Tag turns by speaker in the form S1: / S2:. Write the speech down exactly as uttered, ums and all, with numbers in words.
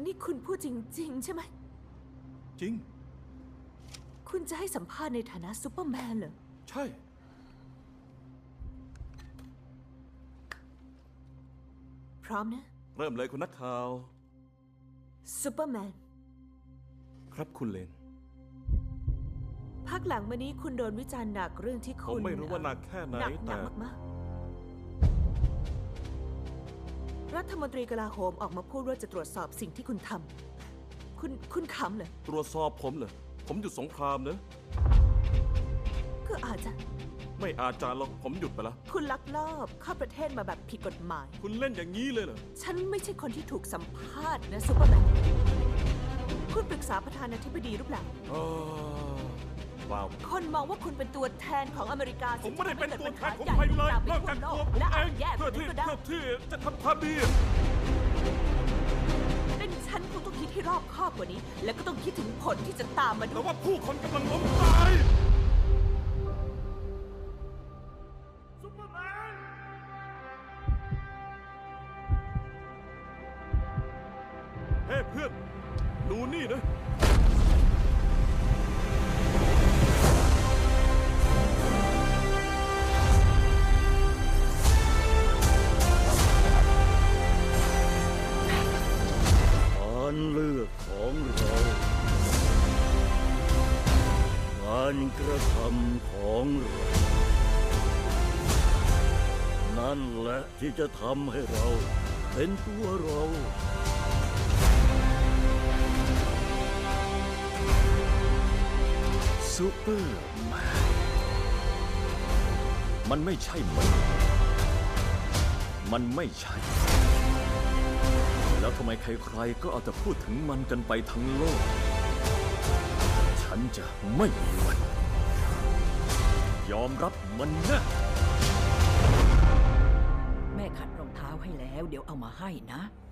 S1: นี่คุณพูดจริงๆใช่ไหม
S2: จริง
S1: คุณจะให้สัมภาษณ์ในฐานะซูเปอร์แมนเหรอ
S2: ใช่
S1: พร้อมนะ
S2: เริ่มเลยคุณนักข่าว
S1: ซูเปอร์แมน
S2: ครับคุณเลน
S1: พักหลังมานี้คุณโดนวิจารณ์หนักเรื่องที่คุณ
S2: ผมไม่รู้ว่าหนักแค่ไหน
S1: หนักหนั
S2: แต่
S1: กมากๆรัฐมนตรีกลาโหมออกมาพูดว่าจะตรวจสอบสิ่งที่คุณทำคุณคุณขำเหรอ
S2: ตรวจสอบผมเหรอผมหยุดสงครามเนอะ
S1: ก็อาจจะ
S2: ไม่อาจารย์หรอกผมหยุดไปแล้ว
S1: คุณลักลอบเข้าประเทศมาแบบผิดกฎหมาย
S2: คุณเล่นอย่างนี้เลยเหรอ
S1: ฉันไม่ใช่คนที่ถูกสัมภาษณ์นะซูเปอร์แมนคุณปรึกษาประธานาธิบดีหรือเปล่า
S2: ว้าว
S1: คนมองว่าคุณเป็นตัวแทนของอเมริกา
S2: ผมไม่ได้เป็นตัวแทนของใครเลยนอกจากตัวผมเองเพื่อที่เพื่อที่จะทำความดี
S1: เป็นฉันคงต้องคิดให้รอบคอบกว่านี้แล้วก็ต้องคิดถึงผลที่จะตามมาด้
S2: แล้
S1: ว
S2: วยว่าผู้คนกำลังล้มตายซุปเปอร์แมนเฮ้เพื่อนดูนี่นะ
S3: การเลือกของเราการกระทำของเรานั่นแหละที่จะทำให้เราเป็นตัวเรา
S4: ซูเปอร์แมนมันไม่ใช่มันมันไม่ใช่แล้วทำไมใครๆก็เอาแต่พูดถึงมันกันไปทั้งโลกฉันจะไม่มีวันยอมรับมันนะ
S5: แม่ขัดรองเท้าให้แล้วเดี๋ยวเอามาให้นะ